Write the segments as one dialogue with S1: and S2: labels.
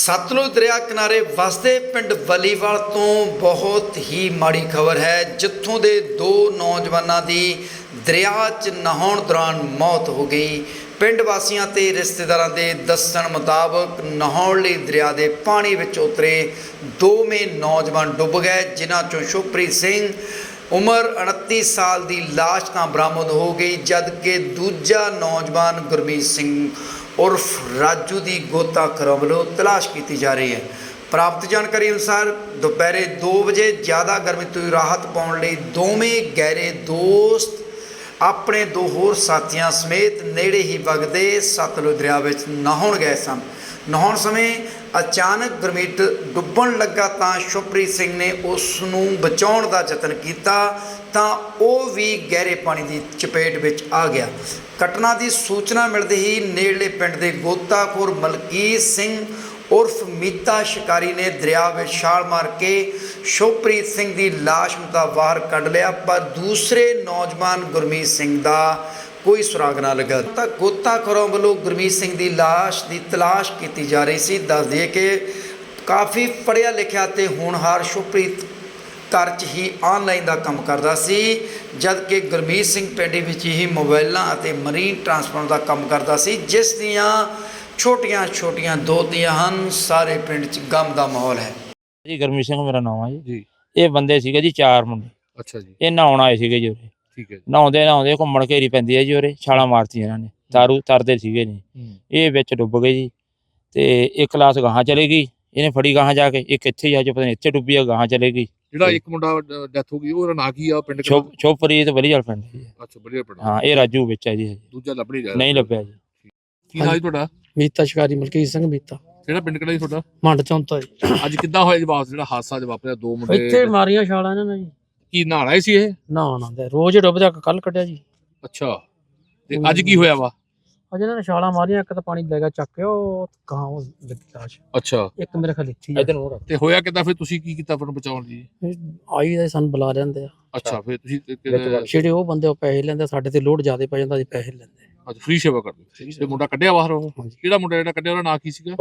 S1: सतलुज दरिया किनारे वसदे पिंड वलीवाल तो बहुत ही माड़ी खबर है, जिथों के दो नौजवानों की दरिया च नहाउण दौरान मौत हो गई। पिंड वासियों ते रिश्तेदारों के दस्सण मुताबक नहाउण लई दरिया के पानी विच उतरे दोवें नौजवान डुब गए, जिन्हां चों शुभप्रीत सिंह उम्र 29 साल की लाश तां बरामद हो गई, जबकि दूजा नौजवान गुरमीत सिंह उर्फ राजू की गोताखोरां वालों तलाश की जा रही है। प्राप्त जानकारी अनुसार दोपहर 2 बजे ज़्यादा गर्मी तो राहत पाने लई दोवें गहरे दोस्त अपने दो होर साथियों समेत नेड़े ही वगदे सतलुज दरिया विच नहाउण गए सन। नहाउण समय अचानक गुरमीत डुੱਬਣ लगा तो शुभप्रीत सिंह ने उसनूं बचाउण दा यतन किया तो वह भी गहरे पानी की चपेट विच आ गया। घटना की सूचना मिलते ही नेड़ले पिंड के गोताखोर मलकीत सिंह उर्फ मीता शिकारी ने दरिया में छाल मार के शुभप्रीत सिंह की लाश ਨੂੰ ਤਾਂ बाहर कढ़ लिया, पर दूसरे नौजवान गुरमीत सिंह का कोई सुराग ना लगा। तो गोताखोरों वालों गुरमीत सिंह की लाश की तलाश की जा रही सी। दस दिए कि काफ़ी पढ़िया लिखिया ते होनहार शुभप्रीत घर च ही ऑनलाइन का काम करता सी, जबकि गुरमीत सिंह पिंड विच ही मोबाइलों और मरीन ट्रांसपोर्ट का काम करता सी, जिस दियां छोटियां छोटियां दो दियां हैं। सारे पिंड च गम का माहौल है
S2: जी। गुरमीत सिंह मेरा नाम है जी। ये बंदे सीगे जी 4 मुंडे। अच्छा जी। ये नहाउण आए सीगे जी उरे। ठीक है। नहाउंदे नहाउंदे घुम्मण घेरी पैंदी है जी उरे, छालां मारतीਆਂ ਇਹਨਾਂ ਨੇ। ਤਾਰੂ ਤਰਦੇ ਸੀਗੇ ਨੇ, ਇਹ ਵਿੱਚ ਡੁੱਬ ਗਏ ਜੀ। ਤੇ ਇੱਕ ਕਲਾਸ ਗਾਹਾਂ ਚਲੇ ਗਈ, ਇਹਨੇ ਫੜੀ ਗਾਹਾਂ ਜਾ ਕੇ, ਇੱਕ ਇੱਥੇ ਜਾ ਕੇ ਪਤਾ ਨਹੀਂ ਇੱਥੇ ਡੁੱਬੀ ਆ, ਗਾਹਾਂ ਚਲੇ ਗਈ। ਜਿਹੜਾ ਇੱਕ ਮੁੰਡਾ ਡੈਥ ਹੋ ਗਈ ਉਹਦਾ ਨਾਂ ਕੀ ਆ ਪਿੰਡ ਦਾ? ਸ਼ੁਭਪ੍ਰੀਤ ਵਲੀਵਾਲ ਪਿੰਡ ਜੀ। ਅੱਛਾ ਵਲੀਵਾਲ ਪਿੰਡ। ਹਾਂ ਇਹ ਰਾਜੂ ਵਿੱਚ ਹੈ ਜੀ। ਦੂਜਾ ਲੱਭ ਨਹੀਂ ਲੱਭਿਆ ਜੀ। ਕੀ ਨਾਂ ਜੀ ਤੁਹਾਡਾ? ਮੀਤਾ ਸ਼ਿਕਾਰੀ, ਮਲਕੀਤ ਸਿੰਘ ਮੀਤਾ। ਕਿਹੜਾ ਪਿੰਡ ਕਿਹੜਾ ਜੀ ਤੁਹਾਡਾ? ਮੰਡ ਚੌਂਤਾ ਜੀ। ਅੱਜ ਕਿੱਦਾਂ ਹੋਇਆ ਜੀ ਜਿਹੜਾ ਹਾਦਸਾ ਜ ਵਾਪਰਿਆ? ਦੋ ਮੁੰਡੇ ਇੱਥੇ ਮਾਰੀਆਂ ਛਾਲਾਂ ਇਹਨਾਂ ਨੇ ਜੀ। ਕੀ ਨਹਾਉਣ ਆਏ ਸੀ ਇਹ? ਨਹਾਉਣ ਆਉਂਦੇ ਰੋਜ਼ ਡੁੱਬਦਾ, ਕੱਲ ਕੱਢਿਆ ਜੀ। ਅੱਛਾ ਤੇ ਅੱਜ ਕੀ ਹੋਇਆ ਵਾ? ਅੱਜ ਇਹਨਾਂ ਨੇ ਛਾਲਾਂ ਮਾਰੀਆਂ, ਇੱਕ ਤਾਂ ਪਾਣੀ ਲੈ ਗਿਆ ਚੱਕ ਕੇ, ਉਹ ਗਾਂ ਉਹ ਲੱਗੀ ਲਾਸ਼। ਅੱਛਾ ਇੱਕ ਮੇਰੇ ਖਿਆਲ ਇੱਥੇ ਇਧਰ ਨੂੰ। ਤੇ ਹੋਇਆ ਕਿੱਦਾਂ ਫਿਰ? ਤੁਸੀਂ ਕੀ ਕੀਤਾ ਫਿਰ ਬਚਾਉਣ ਲਈ? ਆਈ ਦਾ ਸਾਨੂੰ ਬੁਲਾ ਲੈਂਦੇ ਆ। ਅੱਛਾ ਫਿਰ ਤੁਸੀਂ ਜਿਹੜੇ ਉਹ ਬੰਦੇ ਉਹ ਪੈਸੇ ਲੈਂਦੇ, ਸਾਡੇ ਤੇ ਲੋਡ ਜ਼ਿਆਦਾ ਪੈ ਜਾਂਦਾ, ਅਸੀਂ ਪੈਸੇ ਲੈਂਦੇ। ਅੱਛਾ ਫ੍ਰੀ ਸੇਵਾ ਕਰਦੇ। ਤੇ ਮੁੰਡਾ ਕੱਢਿਆ ਬਾਹਰ? ਉਹ ਕਿਹੜਾ ਮੁੰਡਾ ਜਿਹੜਾ ਕੱਢਿਆ ਉਹਦਾ ਨਾਂ ਕੀ ਸੀਗਾ?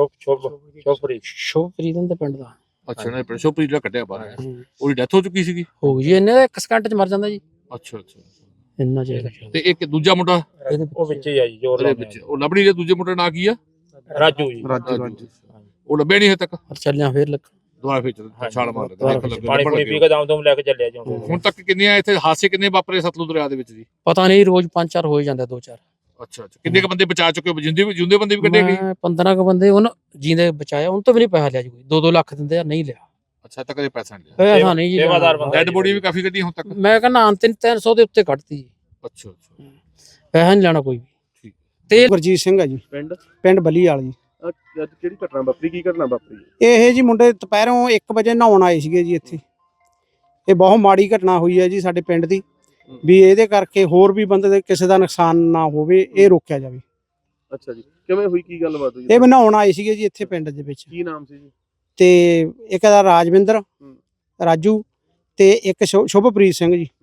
S2: ਸ਼ੁਭਪ੍ਰੀਤ ਦੇ ਪਿੰਡ ਦਾ। ਅੱਛਾ ਨਾ ਪਿੰਡ ਸ਼ੁਭਪ੍ਰੀਤ ਜਿਹੜਾ ਕੱਢਿਆ ਬਾਹਰ, ਉਹਦੀ ਡੈਥ ਹੋ ਚੁੱਕੀ ਸੀਗੀ? ਹੋ ਗਈ ਜੀ, ਇਹਨੇ ਦਾ 1 ਸਕਿੰਟ ਚ ਮਰ ਜਾਂਦਾ ਜੀ। ਅੱਛਾ ਅੱਛਾ ਇੰਨਾ ਚਾਹੀਦਾ। ਤੇ ਇੱਕ ਦੂਜਾ ਮੁੰਡਾ ਉਹ ਵਿੱਚ ਹੀ ਆ ਜੀ, ਜੋ ਵਿੱਚ ਉਹ ਲੱਭ ਨਹੀਂ ਰਿਹਾ। ਦੂਜੇ ਮੁੰਡੇ ਦਾ ਨਾਂ ਕੀ ਆ? ਰਾਜੂ ਜੀ। ਰਾਜੂ ਉਹ ਲੱਭਿਆ ਨਹੀਂ ਹਜੇ ਤੱਕ? ਚੱਲਿਆ ਫੇਰ ਲੱਗ ਦੁਬਾਰਾ ਫੇਰ ਛਾਲ ਮਾਰ ਲੱਗਾ। ਪਾਣੀ ਪੂਣੀ ਪੀ ਕੇ ਦਮ ਲੈ ਕੇ ਚੱਲਿਆ ਜੀ। ਹੁਣ ਤੱਕ ਕਿੰਨੇ ਇੱਥੇ ਹਾਦਸੇ ਕਿੰਨੇ ਵਾਪਰੇ ਸਤਲੁਜ ਦਰਿਆ ਦੇ ਵਿੱਚ ਜੀ? ਪਤਾ ਨਹੀਂ, ਰੋਜ਼ 5-4 ਹੋ ਹੀ ਜਾਂਦੇ, 2-4। ਅੱਛਾ ਅੱਛਾ ਕਿੰਨੇ ਕ ਬੰਦੇ ਬਚਾ ਚੁੱਕੇ ਹੋ? ਜਿੰਦੇ ਬੰਦੇ ਵੀ ਕੱਢੇ ਗਏ? 15 ਕ ਬੰਦੇ ਉਹਨਾਂ ਜਿੰਦੇ ਬਚਾਇਆ, ਉਹਨਾਂ ਤੋਂ ਵੀ ਨਹੀਂ ਪੈਸਾ ਲਿਆ ਜੀ। ਕੋਈ 2-2 ਲੱਖ ਦਿੰਦੇ ਆ, ਨਹੀਂ ਲਿਆ। ਅੱਛਾ ਤਾਂ ਕਦੇ ਪੈਸਾ ਨਹੀਂ ਲਿਆ? ਪੈਸਾ ਨਹੀਂ ਜੀ। ਸੇਵਾਦਾਰ ਬੰਦਾ। ਡੈਡ ਬੋਡੀ ਵੀ ਕਾਫੀ ਕੱਢੀ ਹੁਣ ਤੱਕ? ਮੈਂ ਕਹਿੰਦਾ 300 ਦੇ ਉੱਤੇ ਕੱਢਤੀ। ਅੱਛਾ ਅੱਛਾ ਪੈਸਾ ਨਹੀਂ ਲੈਣਾ ਕੋਈ ਵੀ। ਠੀਕ ਤੇ ਗੁਰਜੀਤ ਸਿੰਘ ਆ ਜੀ, ਪਿੰਡ ਬਲੀਵਾਲ ਜੀ। ਅੱਜ ਕਿਹੜੀ ਘਟਨਾ ਵਾਪਰੀ? ਕੀ ਘਟਨਾ ਵਾਪਰੀ? ਇਹ ਜੀ ਮੁੰਡੇ ਦੁਪਹਿਰੋਂ 1 ਵਜੇ ਨਹਾਉਣ ਆਏ ਸੀਗੇ ਜੀ ਇੱਥੇ। ਇਹ ਬਹੁਤ ਮਾੜੀ ਘਟਨਾ ਹੋਈ ਹੈ ਜੀ ਸਾਡੇ ਪਿੰਡ ਦੀ, ਵੀ ਇਹਦੇ ਕਰਕੇ ਹੋਰ ਵੀ ਬੰਦੇ ਦੇ ਕਿਸੇ ਦਾ ਨੁਕਸਾਨ ਨਾ ਹੋਵੇ, ਇਹ ਰੋਕਿਆ ਜਾਵੇ। ਅੱਛਾ ਜੀ ਕਿਵੇਂ ਹੋਈ? ਕੀ ਗੱਲਬਾਤ ਹੋਈ? ਇਹ ਨਹਾਉਣ ਆਏ ਸੀਗੇ ਜੀ ਇੱਥੇ ਪਿੰਡ ਦੇ ਵਿੱਚ। ਕੀ ਨਾਮ ਸੀ ਜੀ? ਤੇ ਇੱਕ ਦਾ ਰਾਜਵਿੰਦਰ, ਰਾਜੂ, ਤੇ ਇੱਕ ਸ਼ੁਭਪ੍ਰੀਤ ਸਿੰਘ ਜੀ।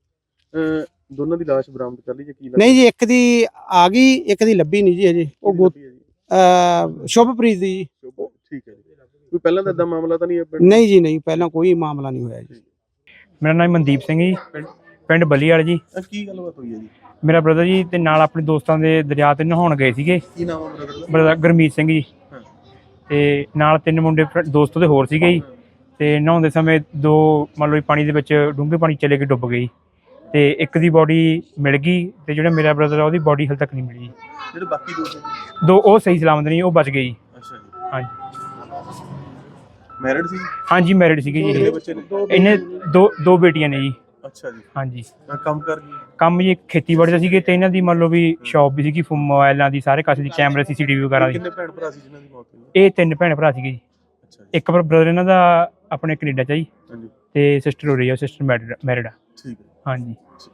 S2: ਦੋਨਾਂ ਦੀ ਲਾਸ਼ ਬਰਾਮਦ ਕਰ ਲਈ ਜੀ? ਕੀ ਨਹੀਂ ਜੀ, ਇੱਕ ਦੀ ਆ ਗਈ, ਇੱਕ ਦੀ ਲੱਭੀ ਨਹੀਂ ਜੀ ਹਜੇ। ਉਹ ਸ਼ੁਭਪ੍ਰੀਤ ਦੀ ਜੀ। ਠੀਕ ਹੈ ਜੀ। ਕੋਈ ਪਹਿਲਾਂ ਦਾ ਇਦਾਂ ਮਾਮਲਾ ਤਾਂ ਨਹੀਂ? ਨਹੀਂ ਜੀ ਨਹੀਂ, ਪਹਿਲਾਂ ਕੋਈ ਮਾਮਲਾ ਨਹੀਂ ਹੋਇਆ ਜੀ।
S3: ਮੇਰਾ ਨਾਮ ਮਨਦੀਪ ਸਿੰਘ ਜੀ, ਪਿੰਡ ਬਲੀਵਾਲ ਜੀ।
S1: ਕੀ ਗੱਲਬਾਤ ਹੋਈ ਹੈ ਜੀ?
S3: ਮੇਰਾ ਬ੍ਰਦਰ ਜੀ ਤੇ ਨਾਲ ਆਪਣੇ ਦੋਸਤਾਂ ਦੇ ਦਰਿਆ ਤੇ ਨਹਾਉਣ ਗਏ ਸੀਗੇ।
S1: ਕੀ ਨਾਮ ਹੈ
S3: ਬ੍ਰਦਰ? ਗੁਰਮੀਤ ਸਿੰਘ ਜੀ। ਤੇ ਨਾਲ 3 ਮੁੰਡੇ ਦੋਸਤ ਦੇ ਹੋਰ ਸੀਗੇ ਜੀ। ਤੇ ਨਹਾਉਂਦੇ ਸਮੇਂ 2 ਮੰਨ ਲਓ ਪਾਣੀ ਦੇ ਵਿੱਚ ਡੂੰਘੇ ਪਾਣੀ ਚਲੇ ਕੇ ਡੁੱਬ ਗਈ। ਤੇ ਇੱਕ ਦੀ ਬੋਡੀ ਮਿਲ ਗਈ, ਤੇ ਜਿਹੜਾ ਮੇਰਾ ਬ੍ਰਦਰ ਆ ਉਹਦੀ ਬੋਡੀ ਹਾਲੇ ਤੱਕ ਨਹੀਂ ਮਿਲੀ। ਜਿਹੜੇ ਬਾਕੀ ਦੋ ਉਹ ਸਹੀ ਸਲਾਮਤ ਨਹੀਂ, ਉਹ ਬਚ ਗਏ ਜੀ। ਅੱਛਾ ਜੀ। ਹਾਂਜੀ ਮੈਰਿਡ ਸੀ? ਹਾਂਜੀ ਮੈਰਿਡ ਸੀਗੇ ਜੀ। ਇਹਨੇ ਦੋ ਬੇਟੀਆਂ ਨੇ ਜੀ। ਅੱਛਾ ਜੀ। ਹਾਂਜੀ ਕੰਮ ਜੀ ਖੇਤੀਬਾੜੀ ਦਾ ਸੀਗੇ, ਤੇ ਇਹਨਾਂ ਦੀ ਮੰਨ ਲਓ ਵੀ ਸ਼ੌਪ ਵੀ ਸੀਗੀ ਮੋਬਾਈਲਾਂ ਦੀ, ਸਾਰੇ ਕਾਸੇ ਦੀ, ਕੈਮਰੇ CCTV ਵਗੈਰਾ ਦੀ। ਕਿੰਨੇ ਭੈਣ ਭਰਾ ਸੀ ਜਿਹਨਾਂ ਦੀ ਮੌਤ ਹੋਈ? ਇਹ 3 ਭੈਣ ਭਰਾ ਸੀਗੇ ਜੀ। ਇੱਕ ਬ੍ਰਦਰ ਇਹਨਾਂ ਦਾ ਆਪਣੇ ਕੈਨੇਡਾ ਚ ਜੀ, ਤੇ ਸਿਸਟਰ ਹੋ ਰਹੀ ਆ, ਸਿਸਟਰ ਮੈਰਿਡ ਆ। ਠੀਕ ਹੈ। ਹਾਂਜੀ।